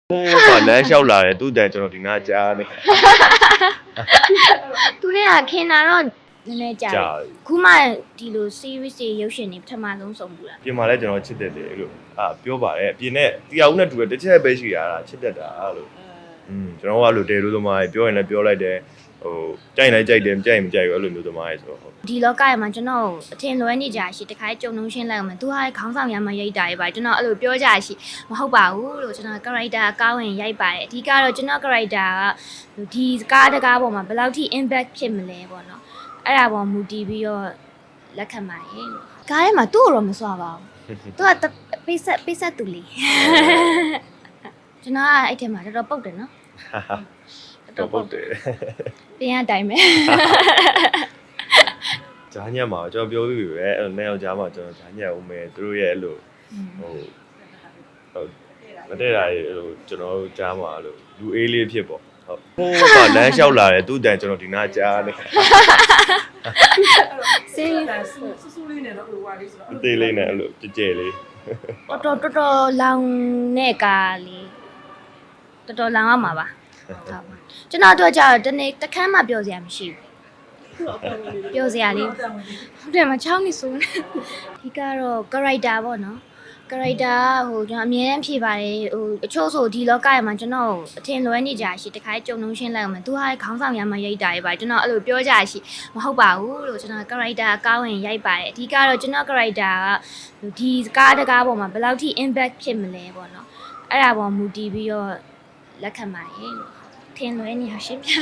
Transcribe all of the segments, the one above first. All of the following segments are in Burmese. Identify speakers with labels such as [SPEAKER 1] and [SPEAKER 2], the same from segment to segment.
[SPEAKER 1] လမ်းလျှောက်လာတယ်သူ့တန်ကျွန်တော်ဒီနားကြားနေ
[SPEAKER 2] သူတွေကခင်တာတော့နည်းနည်းကြာခုမှဒီလို series တွေရုပ်ရှင်တွေပထမဆုံးစုံဘူးလား
[SPEAKER 1] ပြင်မှာလဲကျွန်တော်ချစ်တယ်လေလို့ပြောပါတယ်ပြင်နဲ့တရားဦးနဲ့တူတယ်တစ်ချက်ပဲရှိရတာချစ်တတ်တာလို့ကျွန်တော်ကအဲ့လိုတဲလို့သမားပြောရင်လည်းပြောလိုက်တယ်ဟိုကြိုက်လိုက်ကြိုက်တယ်မကြိုက်မကြိုက်ဘူးအဲ့လိုမျိုးသမားရဲ့ဆိုတော့
[SPEAKER 2] ဒီလောကမှာကျွန်တော်အထင်လွဲနေကြရှိတခါကြုံလုံးရှင်းလိုက်အောင်သူဟာခေါင်းဆောင်ရမ်းမရိုက်တာရေးပါကျွန်တော်အဲ့လိုပြောကြရှိမဟုတ်ပါဘူးလို့ကျွန်တော် character ကောင်းဝင်ရိုက်ပါတယ်အဓိကတော့ကျွန်တော် character ကဒီကားတကားပေါ်မှာဘယ်လောက်ထိ impact ဖြစ်မလဲပေါ့နော်အဲ့ဒါပေါ်မူတည်ပြီးတော့လက်ခံပါတယ်လို့ကားထဲမှာသူ့ကိုတော့မစွာပါဘူးသူကပိတ်ဆက်သူလေးကျွန်တော်အဲ့ထဲမှာတော်တော်ပုတ်တယ်နော်
[SPEAKER 1] တော့ပုတ်တယ်
[SPEAKER 2] ပြင်အတိုင်းပဲ
[SPEAKER 1] ဂျာညက်မှာကျွန်တော်ပြောပြီးပြီပဲအဲ့လိုနဲ့ယောက်ျားမှာကျွန်တော်ဂျာညက်ဦးမယ်သူတို့ရဲ့အဲ့လိုဟိုမတည့်တာရေအဲ့လိုကျွန်တော်တို့ကြားမှာအဲ့လိုလူအေးလေးဖြစ်ပေါ့ဟုတ်ဟိုကလမ်းလျှောက်လာတယ်သူ့တန်ကျွန်တော်ဒီနားကြားနေ
[SPEAKER 2] စေး
[SPEAKER 3] ဆူလေးနဲ့တော့ဟိုဟာလေးဆိုတော့
[SPEAKER 1] အသေးလေးနဲ့အဲ့လိုကြဲကြဲလေး
[SPEAKER 2] တော်လောင်တဲ့ကားလေးတော်လောင်ရမှာပါဟုတ်ပါကျွန်တော်တို့ကြာတနေ့တခန်းမှပြောစရာမရှိဘူးပြောစရာလေးဟုတ်တယ်မချောင်းနေဆိုဒီကတော့ character ပေါ့နော် character ဟိုကျွန်တော်အမြဲတမ်းဖြေပါတယ်ဟိုအချို့ဆိုဒီလောကမှာကျွန်တော်အထင်လွဲနေကြရှိတခါကြုံလုံးရှင်းလိုက်အောင်သူဟာခေါင်းဆောင်ရမ်းမရိုက်တာရေးပါကျွန်တော်အဲ့လိုပြောကြရှိမဟုတ်ပါဘူးလို့ကျွန်တော် character ကောင်းဝင်ရိုက်ပါတယ်အဓိကတော့ကျွန်တော် character ကဒီကားတကားပေါ်မှာဘယ်လောက်ထိ impact ဖြစ်မလဲပေါ့နော်အဲ့ဒါပေါ်မူတည်ပြီးတော့လက်ခံပါတယ်လို့ထင်လွဲနေရရှင်းပြ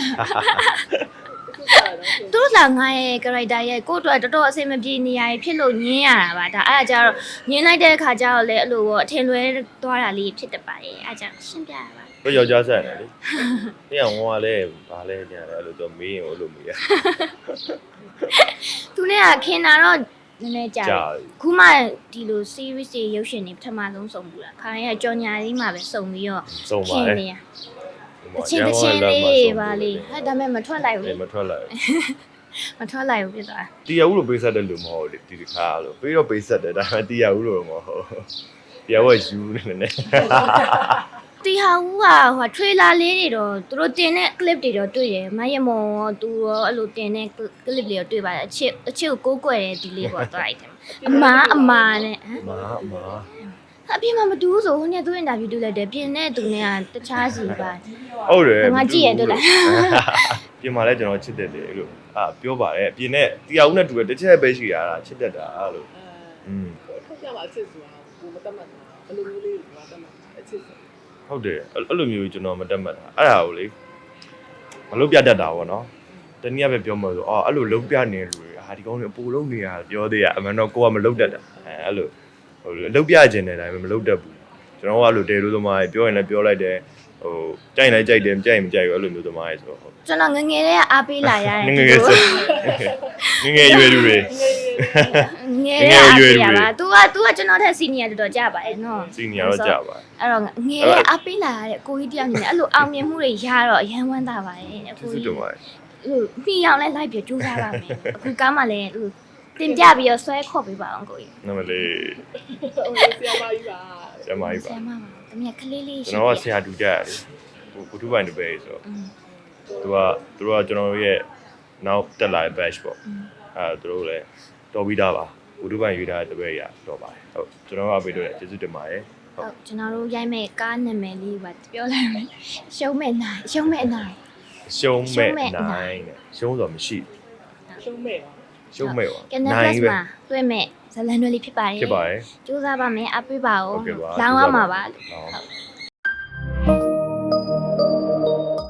[SPEAKER 2] သူတို့ကငါရဲ့ character ရဲ့ကိုယ့်အတွက်တော်တော်အဆင်မပြေနေရဖြစ်လို့ညင်းရတာပါဒါအဲ့ဒါကြတော့ညင်းလိုက်တဲ့အခါကျတော့လေအဲ့လိုပေါ့အထင်လွဲသွားတာလေးဖြစ်တတ်ပါတယ်အဲ့ဒါကြောင့်ရှင်းပြရပါ
[SPEAKER 1] တော့ယောက်ျားဆက်တယ်လေပြန်ဝါလဲဘာလဲညာတယ်အဲ့လိုတော့မေးရင်အဲ့လိုမေးရ
[SPEAKER 2] သူနဲ့ကခင်တာတော့နည်းနည်းကြာခုမှဒီလို series တွေရုပ်ရှင်တွေပထမဆုံးစုံဘူးလားခါရင်ကကြော်ညာလေးမှာပဲစုံပြီးတော့
[SPEAKER 1] ခင်
[SPEAKER 2] နေရအချင်းလေးပါလေဟဲ့ဒါမဲ့မထွက်လိုက်ဘူးလေ
[SPEAKER 1] မထွက်လိုက်
[SPEAKER 2] မထွက်လိုက်ဘူးပြသွား
[SPEAKER 1] တရားဦးလိုပေးဆက်တယ်လို့မဟုတ်လေဒီခါလို့ပြီးတော့ပေးဆက်တယ်ဒါပေမဲ့တရားဦးလိုမဟုတ်တရားဦးကယူနေတယ်
[SPEAKER 2] တီဟာဦးကဟို trailer လေးတွေတော့သူတို့တင်တဲ့ clip တွေတော့တွေ့တယ်မရမော်သူရောအဲ့လိုတင်တဲ့ clip လေးတော့တွေ့ပါတယ်အချစ်ကိုကိုးကွယ်တဲ့ဒီလေးပေါ့သွားလိုက်တယ်အမားနဲ့
[SPEAKER 1] အမား
[SPEAKER 2] အပြင်မှာမတူဘူးဆိုဟိုနေ့သူ့ interview တွေ့လိုက်တယ်ပြင်နဲ့သူနဲ့ကတခြားစီပါ
[SPEAKER 1] ဟုတ်တယ်
[SPEAKER 2] ငါကြည့်ရတွေ့လား
[SPEAKER 1] ပြင်မှာလဲကျွန်တော်ချစ်တယ်လေလို့ပြောပါတယ်ပြင်နဲ့တရားဦးနဲ့တူတယ်တစ်ချက်ပဲရှိရတာချစ်တတ်တာလို့
[SPEAKER 3] ထုတ်ပြမှာအချစ်ဆိုတာကိုမတတ်မှတ်တာဘယ်လိုမျိုးလေးကိုမတတ်မှတ်အချစ်ဆို
[SPEAKER 1] ဟုတ်တယ်အဲ့လိုမျိုးကျွန်တော်မတတ်မှတ်တာအဲ့ဒါကိုလေမလုပ်ပြတတ်တာပေါ့နော်တနည်းအားဖြင့်ပြောမှဆိုအဲ့လိုလုပ်ပြနေလူတွေဒီကောင်းတွေအပူလုံးနေရပြောသေးရအမှန်တော့ကိုကမလုပ်တတ်တာအဲ့လိုလုပ်ပြခြင်းတဲ့အတိုင်းပဲမလုပ်တတ်ဘူးကျွန်တော်ကအဲ့လိုတဲလို့သမားပြောရင်လည်းပြောလိုက်တယ်ဟိုကြိုက်လိုက်ကြိုက်တယ်မကြိုက်မကြိုက်ဘူးအဲ့လိုမျိုးသမားရဲ့ဆိုတော့
[SPEAKER 2] ကျွန်တော်ငငယ်လေးကအားပေးလာရတယ်
[SPEAKER 1] ငငယ်ဆိုငငယ်ရွယ်လူတွေ
[SPEAKER 2] ငယ်လေးရွယ်လူတွေ तू ကကျွန်တော်ထက် senior တော်တော်ကြပါတယ်နော်
[SPEAKER 1] senior တော့ကြပါ
[SPEAKER 2] အဲ့တော့ငယ်လေးအားပေးလာရတဲ့ကိုကြီးတယောက်နေအဲ့လိုအောင်မြင်မှုတွေရတော့အရန်ဝမ်းသာပါတယ်
[SPEAKER 1] အခုကြီးဟို
[SPEAKER 2] မိအောင်လဲလိုက်ပြကြိုးစားပါမယ်အခုကားမှလည်းတင်ပြပြီးတော့ဆွဲခေါ်ပေးပါအောင်ကိုကြီး
[SPEAKER 1] နမလေး
[SPEAKER 3] ဆရာမကြီးပါ
[SPEAKER 1] ဆရာမကြီးပါ
[SPEAKER 2] ဆရာမပါတမီးကလေးလေး
[SPEAKER 1] ရှိကျွန်တော်ကဆရာတူကြရတယ်ဟိုကုထုပိုင်တပည့်ဆိုတော့သူကကျွန်တော်ရဲ့နောက်တက်လာတဲ့ batch ပေါ့သူတို့လည်းတော်ပြီးသားပါကုထုပိုင်ရွေးထားတဲ့တပည့်ရတော့ပါတယ်ဟုတ်ကျွန်တော်ကပေးတော့ကျေးဇူးတင်ပါတယ်
[SPEAKER 2] ဟုတ်ကျွန်တော်တို့ရိုက်မဲ့ကားနာမည်လေးပါပြောလိုက်မယ်ရှုံးမဲ့နိုင်ရှုံးမဲ့နိုင်
[SPEAKER 1] ရှုံးတော့မရှိ
[SPEAKER 3] ရှုံးမဲ့
[SPEAKER 1] ရှုံးမဲ့ပါ
[SPEAKER 2] နိုင်ပဲတွေ့မဲ့ဇလန်တွေလေးဖြစ်ပါတယ်
[SPEAKER 1] ဖြစ်ပါတယ်
[SPEAKER 2] စူးစမ်းပါမယ်အပေးပါဦးလောင်းရမှာပါဟုတ်